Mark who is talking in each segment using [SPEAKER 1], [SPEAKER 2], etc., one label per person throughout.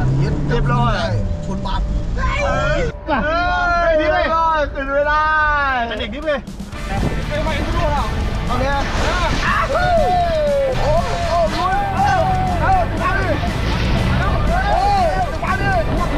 [SPEAKER 1] เรียบร้อยชนบัตรไม่ดีเลยขึ้นไม่ได้เป็นเด็กนิดเลยไม่ไหวทุกคนอ่ะเอาเนี่ยโอ้โอ้ลุยมาดิมาดิ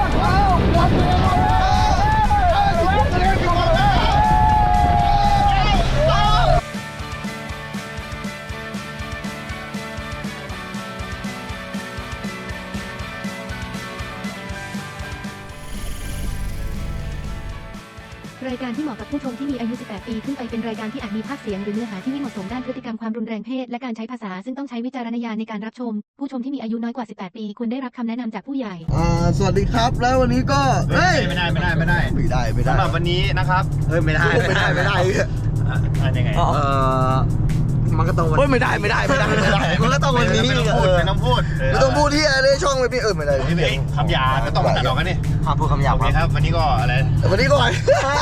[SPEAKER 2] รายการที่เหมาะกับผู้ชมที่มีอายุ 18 ปีขึ้นไปเป็นรายการที่อาจมีภาพเสียงหรือเนื้อหาที่ไม่เหมาะสมด้านพฤติกรรมความรุนแรงเพศและการใช้ภาษาซึ่งต้องใช้วิจารณญาณในการรับชมผู้ชมที่มีอายุน้อยกว่า 18 ปีควรได้รับคำแนะนำจากผู้ใหญ่
[SPEAKER 1] สวัสดีครับแล้ววันนี้ก็
[SPEAKER 3] ไม่ได้
[SPEAKER 1] ส
[SPEAKER 3] ำหรับวันนี้นะครับ
[SPEAKER 1] ไม่ได้
[SPEAKER 3] ยังไง
[SPEAKER 1] มันก็ต้องวันไม่ได้มันก็ต้องวันนี้
[SPEAKER 3] ไม่ต้อง
[SPEAKER 1] พูดที่อะไรช่องไม่พี่ไม่ได้
[SPEAKER 3] คำหยาบก็ต้องตัดออกกันนี่
[SPEAKER 1] ห้ามพูดคำหยาบ
[SPEAKER 3] ครับวันนี้ก็อะไร
[SPEAKER 1] วันนี้ก่อน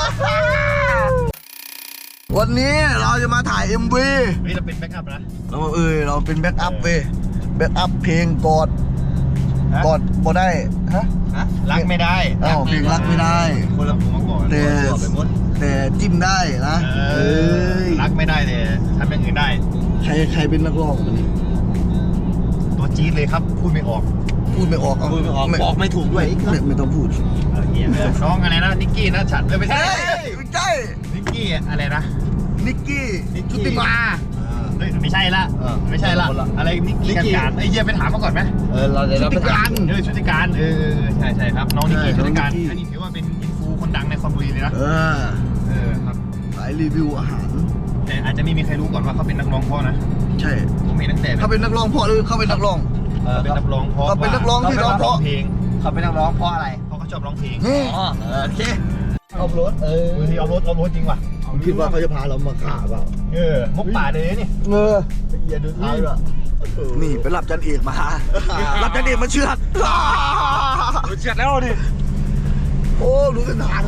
[SPEAKER 1] วันนี้เราจะมาถ่าย MV
[SPEAKER 3] นี่เราเป็นแบ็กอัพนะ
[SPEAKER 1] เราเป็นแบ็กอัพแบ็กอัพเพลงกอดบ่ได้
[SPEAKER 3] รักไม่ได้
[SPEAKER 1] เพลงรักไม่ได้
[SPEAKER 3] คนละผมมาก่อน
[SPEAKER 1] แต่จิ้มได้นะ
[SPEAKER 3] รักไม่ได้แต่ทำอย่างอื่นได้
[SPEAKER 1] ใครเป็นนักร้องวันนี้
[SPEAKER 3] ตัวจี๊ดเลยครับพูดไม่ออก
[SPEAKER 1] บอกไม่ถูกด้วยไม่ต้องพูด
[SPEAKER 3] น้องอะไรนะนิกกี้นะฉัดไม่ใช่นิกกี้อะไรนะ
[SPEAKER 1] นิกกี้ชุติมา
[SPEAKER 3] ไม่ใช่ละอะไรนิกกี้การไอ้เหี้ยไปถามมาก่อนไหม
[SPEAKER 1] ชุติการ
[SPEAKER 3] ใช่ครับน้องนิกกี้ชุติการอันนี้ถือว่าเป็นอินฟูคนดังในคอนบุรีเลยนะ
[SPEAKER 1] ครับสายรีวิวอาหาร
[SPEAKER 3] แต่อาจจะไม่มีใครรู้ก่อนว่าเขาเป็นนักร้องพ่อนะ
[SPEAKER 1] ใช่
[SPEAKER 3] ผมเห็นตั้งแต่
[SPEAKER 1] เขาเป็นนักร้องพ่อหรือเขาเป็นนักร้อง
[SPEAKER 3] เป็นนักร้องเพราะ
[SPEAKER 1] เขาเป็นนักร้องที่ร้องเพราะ
[SPEAKER 3] เพลง
[SPEAKER 1] เขาเป็นนักร้องเพราะอะไร
[SPEAKER 3] เพราะเขาชอบร้องเพลง
[SPEAKER 1] โอเคเอารถ
[SPEAKER 3] เอารถจริงว่ะ
[SPEAKER 1] ผมคิดว่าเขาจะพาเรามาฆ่าเปล่า
[SPEAKER 3] มุกป่าเลยนี่
[SPEAKER 1] ละเอียดดูท้ายด้วยนี่ไปรับจันเอกมารับจันเอกมาเชือด
[SPEAKER 3] แล้วดิ
[SPEAKER 1] โอ้รู้เส้นทาง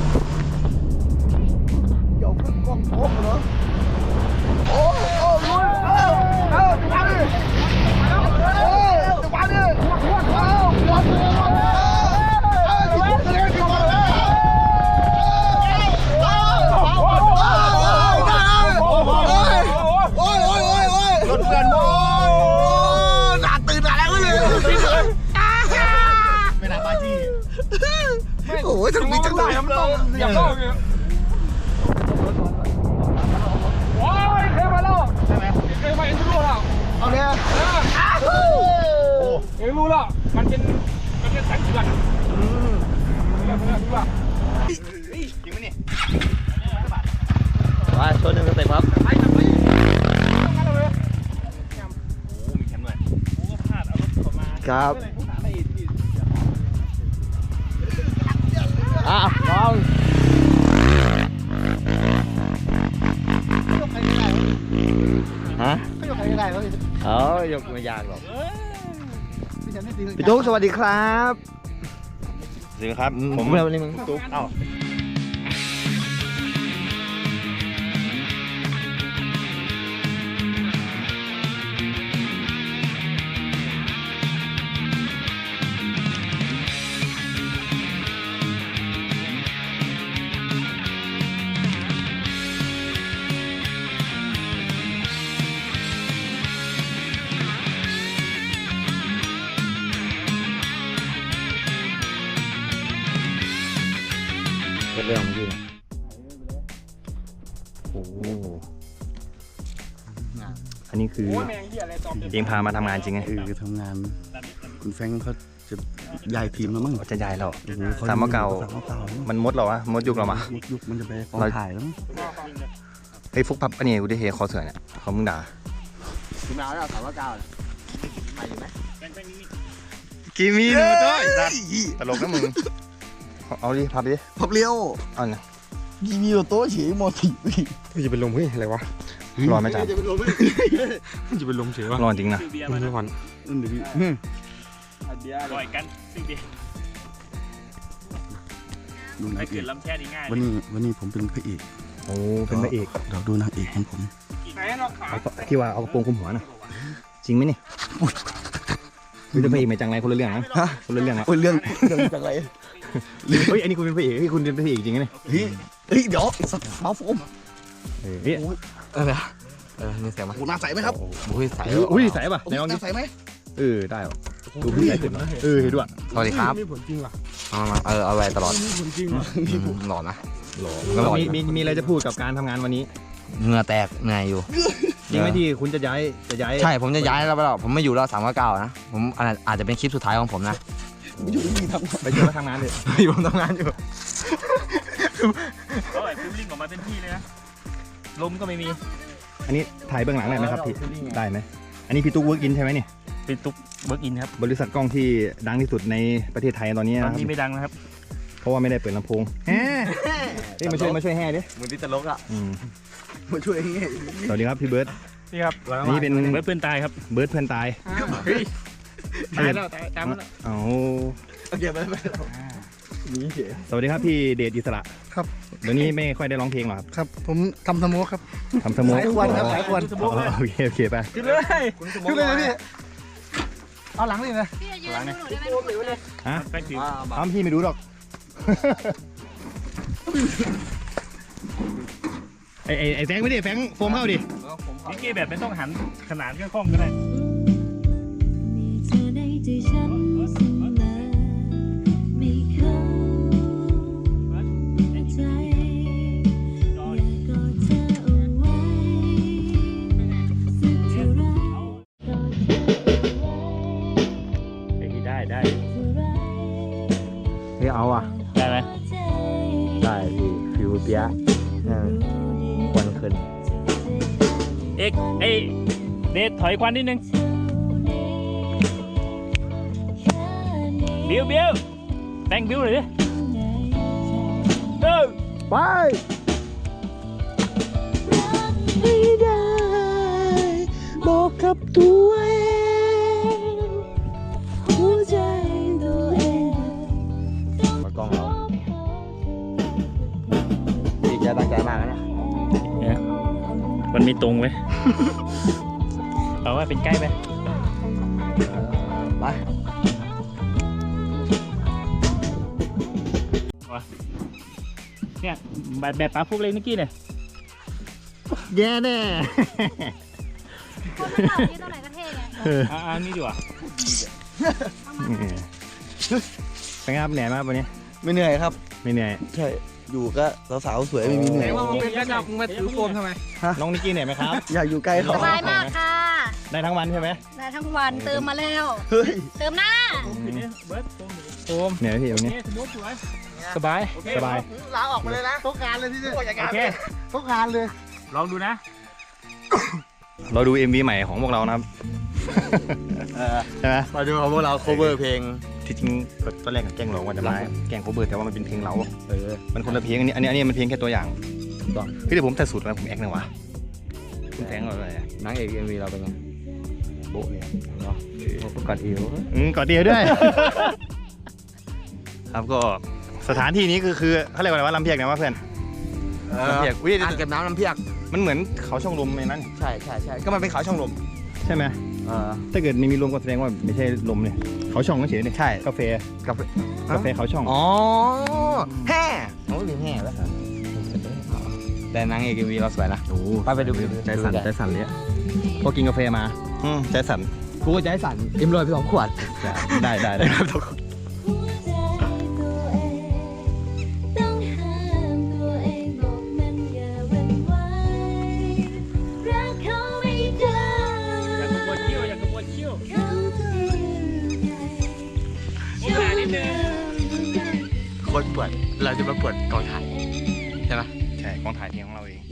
[SPEAKER 1] เดี๋ยวขึ้นกล้องโป๊ะเหรอโอ้ลุยมาดิมาดิรถเพื่อนหนาตื่นอะไรก็เลย
[SPEAKER 3] ไม่น่าบ้าจี้
[SPEAKER 1] โอ้ยถึงมีจังเลย
[SPEAKER 3] อย่าเข้าเลยโอ้ยเคยมาแล้วใช่ไหมเคยมาเอ็นรู้แล้ว
[SPEAKER 1] เอาเนี่ย
[SPEAKER 3] เอ็นรู้แล้วมันเป็นสังเกตจริงไหมนี่
[SPEAKER 1] มาชนหนึ่งเต็มครับ
[SPEAKER 3] โอ้มีแคมด้วยโอ้พลาดเอารถเข้ามา
[SPEAKER 1] ครับลองฮะ
[SPEAKER 3] ก็ยกใครไม่ได้เลย
[SPEAKER 1] ยกไม่ยากหรอกพี่ตุ๊กสวัสดีครับ
[SPEAKER 3] สวัสดีครับ
[SPEAKER 1] ผมวันนี้มึง
[SPEAKER 3] ตุ๊ก
[SPEAKER 1] เป็นเรื่องของพี่โอ้
[SPEAKER 3] อันนี้คือเองพามาทำงานจริงไง
[SPEAKER 4] คือทำงานคุณแฟงเขาจะย้ายทีมแล้วมั้ง
[SPEAKER 3] จะย้ายเราสามเก่ามันมดเราอะมดยุคเรามา
[SPEAKER 4] ยุคมันจะไปกองถ่ายแล้ว
[SPEAKER 3] เฮ้ยฟุกพับอันนี้กูได้เฮคอเสือเนี่ยเขามึงด่า
[SPEAKER 1] ทีมเราแล้วสามเก่ามาอยู่ไหม
[SPEAKER 3] กีมีนมาด้วยตลกนะมึงเอาดิพับดิ
[SPEAKER 1] พับเลี้ยว
[SPEAKER 3] เอาเนี่ย
[SPEAKER 1] กีมีโต๊ะเฉยมอสี
[SPEAKER 4] จะเป็นลมเฮ้ยอะไรวะ
[SPEAKER 3] ร้อนไหมจ๊ะ
[SPEAKER 4] จะเป็นลมเฉยวะ
[SPEAKER 3] ร้อนจริงนะ
[SPEAKER 4] มันร้อน
[SPEAKER 5] บ่อยกันสิ่งดีไม่เกิดลำแช่ดีง่าย
[SPEAKER 4] วันนี้ผมเป็นพระเอก
[SPEAKER 3] โอ้เป็นพระเอก
[SPEAKER 4] เราดูนางเอกของผม
[SPEAKER 3] ที่ว่าเอากระโปรงคลุมหัวน่ะจริงไหมนี่คุณเป็นพระเอกไหมจังไรคนละเรื่องนะ
[SPEAKER 4] ฮะ
[SPEAKER 3] คนละเรื่องนะ
[SPEAKER 4] โอ้ยเรื่องจากอะไร
[SPEAKER 3] เฮ้ยอันนี้คุณเป็นพระเอกเฮ้ยคุณเป็นพระเอกจริงนะเนี่ย
[SPEAKER 4] เฮ้ยเดี๋ยวสักเท้าโฟม
[SPEAKER 3] เฮ้ย
[SPEAKER 6] นี่เสียงมา
[SPEAKER 4] โอ้หน้าใสไหมครับ
[SPEAKER 6] อุ้ยใส
[SPEAKER 3] อุ้ยใส่ป่ะไหนลอง
[SPEAKER 4] ห
[SPEAKER 3] ดิ
[SPEAKER 4] น้าใสไหม
[SPEAKER 3] ได้ป่ะดูพี่ใส่ขึ้นเห็นด้วย
[SPEAKER 6] สวัสดีครับ
[SPEAKER 1] มีผลจริงว่ะ
[SPEAKER 6] มาเอาไว้ตลอด
[SPEAKER 1] มีผลจริงว่ะ
[SPEAKER 6] หล่อนะ
[SPEAKER 3] แล้วมีอะไรจะพูดกับการทำงานวันนี้
[SPEAKER 6] เหงื่อแตกเหนื่อยอยู่
[SPEAKER 3] จริงไหมที่คุณจะย้าย
[SPEAKER 6] ใช่ผมจะย้ายแล้วไปแล้วผมไม่อยู่แล้ว399นะผมอาจจะเป็นคลิปสุดท้ายของผมนะ
[SPEAKER 4] ไม่อยู่ที่นี่ทำ
[SPEAKER 3] ไปเจอมาทำงานเลย
[SPEAKER 6] ผมทำงานอยู่
[SPEAKER 5] เขาไอ้ฟิลลิ่งออกมาเต็มที่เลยนะลมก็ไม่มี
[SPEAKER 3] อันนี้ถ่ายเบื้องหลังได้ไหมครับพี่ได้ไหมอันนี้พี่ตุ๊กเวิร์กอินใช่ไหมนี่
[SPEAKER 5] เป็นตุ๊กเบิร์กอินครับ
[SPEAKER 3] บริษัทกล้องที่ดังที่สุดในประเทศไทยตอนนี้
[SPEAKER 5] ตอน
[SPEAKER 3] นะครับ
[SPEAKER 5] นี้ไม่ดังนะครับ
[SPEAKER 3] เพราะว่าไม่ได้เปิดลำโพงเฮ้ยมาช่วยแห่ดิ
[SPEAKER 4] มือที่ตลกอ่ะ
[SPEAKER 3] อืม
[SPEAKER 4] มาช่วยอย่างงี้
[SPEAKER 3] สวัสดีครับพี่เบิร์ด
[SPEAKER 5] นี่ครับ
[SPEAKER 3] อันนี้เป็น
[SPEAKER 5] เบิร์กเพื่อนตายครับ
[SPEAKER 3] เบิร์ดเพื่อนตาย
[SPEAKER 5] ตายแล้วตายแล้ว
[SPEAKER 3] เอา
[SPEAKER 4] โอเคไป
[SPEAKER 3] สวัสดีครับพี่เดชอิสระ
[SPEAKER 1] ครับ
[SPEAKER 3] เดี๋ยวนี้ไม่ค่อยได้ร้องเพลงหรอครับ
[SPEAKER 1] ครับผมทำสโมกครับ
[SPEAKER 3] ทำสโมุก
[SPEAKER 1] สายควันครับสายควัน
[SPEAKER 3] อ๋อโอเคไป
[SPEAKER 5] ขึ้นเลย
[SPEAKER 1] ขึ้นเลยนะพี่เอาหลังนี่นะ
[SPEAKER 2] พี่จะยืนหนูได้ไหมหนูถือเลย
[SPEAKER 3] ฮะ
[SPEAKER 5] แป้งผิว
[SPEAKER 3] อ้าวพี่ไม่รู้หรอก ไอ้แฟงไม่ดิแฟงโฟมเข้าดิ
[SPEAKER 5] นี่กี้แบบไม่ต้องหันขนาดก็คล่องก็ได้
[SPEAKER 7] เธอในใจฉันเสมอไม่เข้าใจอยากกอดเธอเอาไว้สักเท่าไรกอดเธอเอาไว้
[SPEAKER 5] ได้ได้
[SPEAKER 7] เท่าไร
[SPEAKER 6] เฮ้ยเอาอ่ะ
[SPEAKER 5] ได้ไหม
[SPEAKER 7] ใจ
[SPEAKER 6] ได้พี่ฟิวเปียะควันขึ้น
[SPEAKER 5] เอกเอ้เดทถอยควันนิดนึงบิวแต่งบิวเลยดิ
[SPEAKER 3] ไป
[SPEAKER 7] ไม่ได้บอกกับตัวเองหัวใจตัวเอง
[SPEAKER 6] มากล้องเราพี่แกตั้งใจมากนะเนี่ย
[SPEAKER 5] มันมีตรงไหม เอาว่าเป็นใกล้ไหม
[SPEAKER 6] ไป
[SPEAKER 5] เนี่ยแบบปลาพวกเล็กเมื่อกี้เนี่ย
[SPEAKER 3] แย่แน่
[SPEAKER 2] คนมันเหล่านี้ตัวไหนก็เท่ไง
[SPEAKER 5] นี่ดีกว่า
[SPEAKER 3] เป็นไงครับเหนื่อยมากวันนี้
[SPEAKER 4] ไม่เหนื่อยครับ
[SPEAKER 3] ไม่เหนื่อย
[SPEAKER 4] ใช่อยู่ก็สาวๆสวยไม่มีเหนื่อย
[SPEAKER 1] เป็นกระจับมึงมาถือโฟมทำไม
[SPEAKER 3] น้องนิกกี้เหนื่อยไหมครับ
[SPEAKER 4] อยากอยู่ใกล้เขา
[SPEAKER 2] สบายมากค่ะ
[SPEAKER 3] ได้ทั้งวันใช่ไหม
[SPEAKER 2] ได้ทั้งวันเติมมาแล้ว
[SPEAKER 4] เฮ้ย
[SPEAKER 2] เติมหน้า
[SPEAKER 5] เบิร์ดโฟม
[SPEAKER 3] เหนื่อยไหมพี่วันนี้
[SPEAKER 5] สมมติสวยสบาย
[SPEAKER 3] สบาย
[SPEAKER 1] ลาออกมาเลยนะทุกงานเลยที่นี่
[SPEAKER 5] โอเค
[SPEAKER 1] ทุกงานเลย
[SPEAKER 5] ลองดูนะ
[SPEAKER 3] เราดู MV ใหม่ของพวกเรานะครับใช่ไหม
[SPEAKER 6] มาดูพวกเรา cover เพลง
[SPEAKER 3] ที่จริงตอนแรกกับแกล้งหลงว่าจะมาแกล้งโคเบอร์แต่ว่ามันเป็นเพลงเรา
[SPEAKER 6] เออ
[SPEAKER 3] มันคนละเพลงอันนี้มันเพลงแค่ตัวอย่าง
[SPEAKER 6] ต้อง
[SPEAKER 3] พี่เดี๋ยวผมแต่สุดนะผมแอคหนึ่งวะคุณแฟงอะไร
[SPEAKER 6] นางเอก MV เราเป็นไงโบ๊ะเลยเนาะกอดอิ๋ว
[SPEAKER 3] กอดเดียวด้วย ครับก็สถานที่นี้คือเขาเรียกว่าอะไรว่าลำเพียกนะว่าเพื่อนลำเพียกอุ้ย
[SPEAKER 6] อ่างเก็บน้ำน้ำเพียก
[SPEAKER 3] มันเหมือนเขาช่องลมในนั้น
[SPEAKER 6] ใช่ก็มันเป็นเขาช่องลม
[SPEAKER 3] ใช่ไหมถ้าเกิดไม่มีลมก็แสดงว่าไม่ใช่ลมเนี่ยเขาช่องก็เฉยเนี่ย
[SPEAKER 6] ใช่
[SPEAKER 3] กาแฟ
[SPEAKER 6] กับ
[SPEAKER 3] กาแฟเขาช่อง
[SPEAKER 6] อ๋อแห่โอ้ลืมแห่แล้วแต่นางเอก MV เราสวยนะ
[SPEAKER 3] โอ้
[SPEAKER 6] ไปดู
[SPEAKER 3] ใจสั่นเลยอะพอกินกาแฟมาใจสั่น
[SPEAKER 6] กูก็ใจสั่นเอ็มรอยไป2 ขวด
[SPEAKER 3] ได้ครับ
[SPEAKER 7] หัวใจตัวเองต้องห้ามตัวเองบอกมันอย่าหวั่นไหวรักเขาไม่ได้
[SPEAKER 5] อยากกระบวนเขี้ยวอยากกระบวนเขี้ยว
[SPEAKER 7] เขาจะยังไง
[SPEAKER 5] โอกาสนิดนึง
[SPEAKER 6] คนปวดเราจะมาปวดกองถ่ายใช่ไหม
[SPEAKER 3] ใช่กองถ่ายเพลงของเราเอง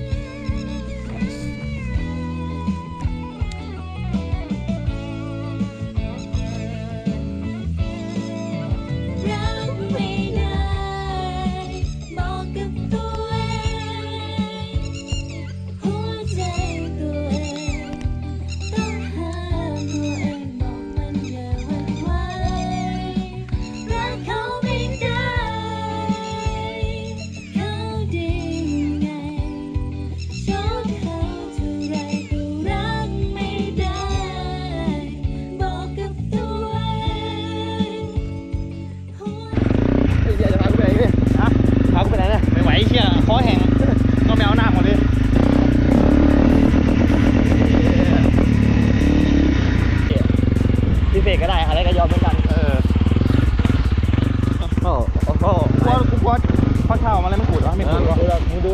[SPEAKER 7] รักไม่ได้บอกกับตัวเองหัวใจตัวเองต้องห้ามตัวเองบอกมันอย่าหวั่นไหวรักเขาไม่ได้เขาดียังไง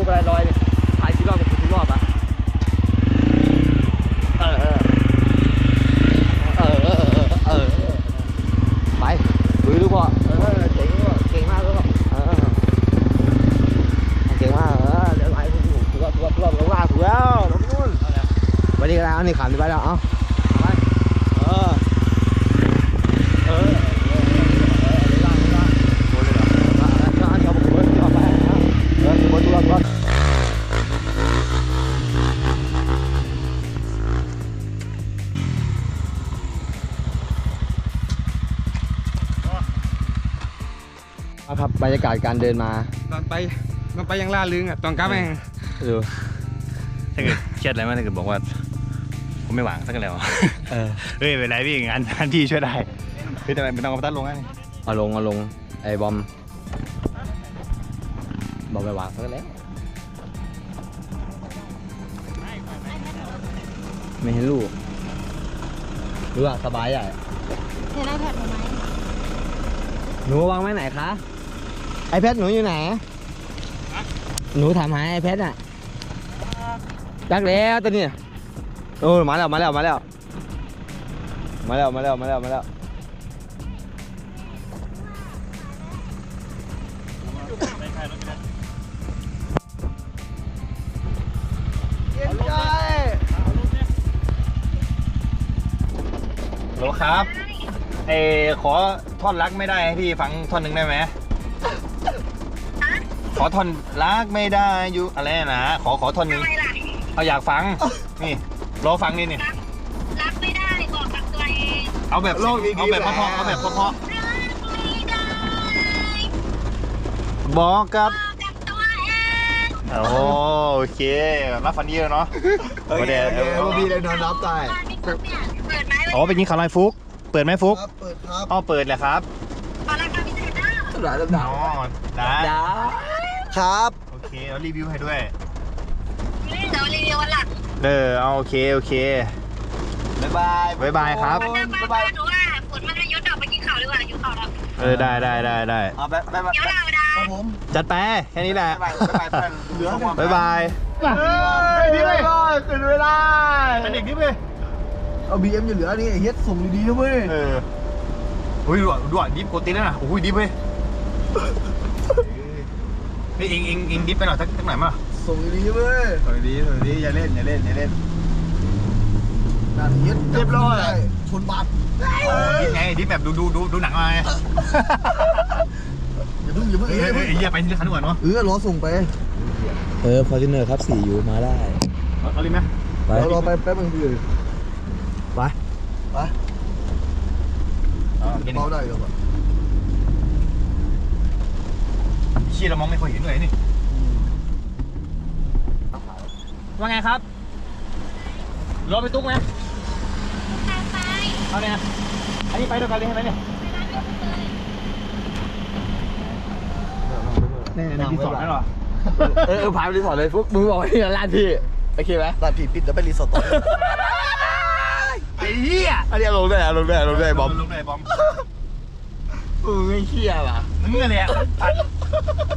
[SPEAKER 6] ไปลอยเนี่ยถ่ายกี่รอบเป็นกี่รอบอะไปลุยลูกพ่อเจ๋งพ่อเก่งมากลูกพ่อเก่งมากเดี๋ยวไหลถูกแล้วลงล่างถูกแล้วลงนู่นไปดีกันแล้วนี่ขามไปแล้วเอ้าไปครับบรรยากาศการเดินมา
[SPEAKER 8] ตอนไปยังล่าลึงอ่ะตอนกลับเอง
[SPEAKER 6] ดู
[SPEAKER 3] ถ้าเกิดเครียดอะไรมากถ้าเกิดบอกว่าผมไม่หวังสักแล้วเฮ้ยเป็นไรพี่งานพี่ช่วยได้พี่แต่ไม่ต้องเอาตัดลงนะ
[SPEAKER 6] เอาลงไอ้บอมไปวางซะแล้วไม่เห็นลูกรู้อ่ะสบายใหญ่
[SPEAKER 7] เห็นไอแพดไหม
[SPEAKER 6] หนูวางไว้ไหนคะไอแพดหนูอยู่ไหนหนูถามหาไอแพดอ่ะจักแล้วตัวนี้โอ้มาแล้ว
[SPEAKER 3] โหลครับขอท่อนรักไม่ได้ให้พี่ฟังท่อนหนึ่งได้ไหมขอท่อนรักไม่ได้อยู่อะไรนะขอท่อนหนึ่งเอาอยากฟังนี่รอฟังนี่นี่
[SPEAKER 7] รักไม่ได้บอกกับตัวเอง
[SPEAKER 3] เอาแบบเพราะเอาแบบเพราะ
[SPEAKER 7] รักไม่ได้
[SPEAKER 3] บอกกับ
[SPEAKER 7] บอกกับตัวเอง
[SPEAKER 3] โอเครับฟันดีแล้วเนาะ
[SPEAKER 1] โอเคมีเลยนอนรับตาย
[SPEAKER 7] เปิดไหม
[SPEAKER 3] อ๋อไปกินข้าวไรฟุกเปิดไหมฟุก
[SPEAKER 1] ครับเปิดครับ
[SPEAKER 3] อ๋อเปิดแหละครับ
[SPEAKER 7] ขอราคาพิเศษนะ
[SPEAKER 3] อ๋อได้
[SPEAKER 1] ครับ
[SPEAKER 3] โอเคเอารีวิวให้ด้วย
[SPEAKER 7] เดี๋ยวรีวิววันหลัง
[SPEAKER 3] เอาโอเคบ๊ายบายครับ
[SPEAKER 7] วันหน้าบ้านหนูว่าฝนมันจะยุดออกไปกินข้าวดีกว่าอยู่ข้าวแล้ว
[SPEAKER 3] ได้
[SPEAKER 1] เอาไป
[SPEAKER 7] เดี๋ยวเราได้
[SPEAKER 1] ครับผม
[SPEAKER 3] จัดไปแค่นี้แหละ
[SPEAKER 1] เหลือ
[SPEAKER 3] บ๊ายบาย
[SPEAKER 1] ดีเลยตื่นเวลา
[SPEAKER 3] เป็นเด็กนี่เว้ย
[SPEAKER 1] เอาบีเอ็มอย่าเหลือนี่เฮ็ดส่งดีๆนะเว้ย
[SPEAKER 3] อุ้ยดูดิฟโกติแล้วนะโอ้ยดิฟเว้ยนี่เองดิฟไปหน่อยสักหน่อยมั้ย
[SPEAKER 1] ส่งดีๆเว้ย
[SPEAKER 3] สวัสดีอย่าเล่น
[SPEAKER 1] นั่นเฮ็ดเรียบร้อยชนบัตร
[SPEAKER 3] ดิฟไงดิฟแบบดูหนังมาไง
[SPEAKER 1] อย่าเพิ่ง
[SPEAKER 3] เฮ้ยอย่าไปที่คันก่อนเนาะ
[SPEAKER 1] รอส่งไป
[SPEAKER 6] ฟอร์จูเนอร์ครับ4อยู่มาได้
[SPEAKER 3] เอาลิมไหม
[SPEAKER 6] ไป
[SPEAKER 1] เรารอไปแป๊บนึงพี่ไป
[SPEAKER 3] กิน
[SPEAKER 1] เบาได้หรอ
[SPEAKER 3] ชี้เรามองไม่ค่อยเห็นเลยนี่ว่าไงครับรอไปตุ๊กไหมเอาเนี่ยอันนี้ไปด้วยกันเลยใช่ไหมเนี่ยในรีสอร์ทไหมหรอ
[SPEAKER 6] พาไปรีสอร์ทเลยฟุกมึงบอกให้ร้านพี่โอเคไหม
[SPEAKER 1] ร้านพี่ปิดแล้วไปรีสอร์ทต่อ
[SPEAKER 3] ไอ้เหี้ย
[SPEAKER 6] อันนี้ลงได้บอม
[SPEAKER 3] ลงได้บอม
[SPEAKER 6] ไม่เชี่ยว่ะ
[SPEAKER 3] มึงอะไรอ่ะ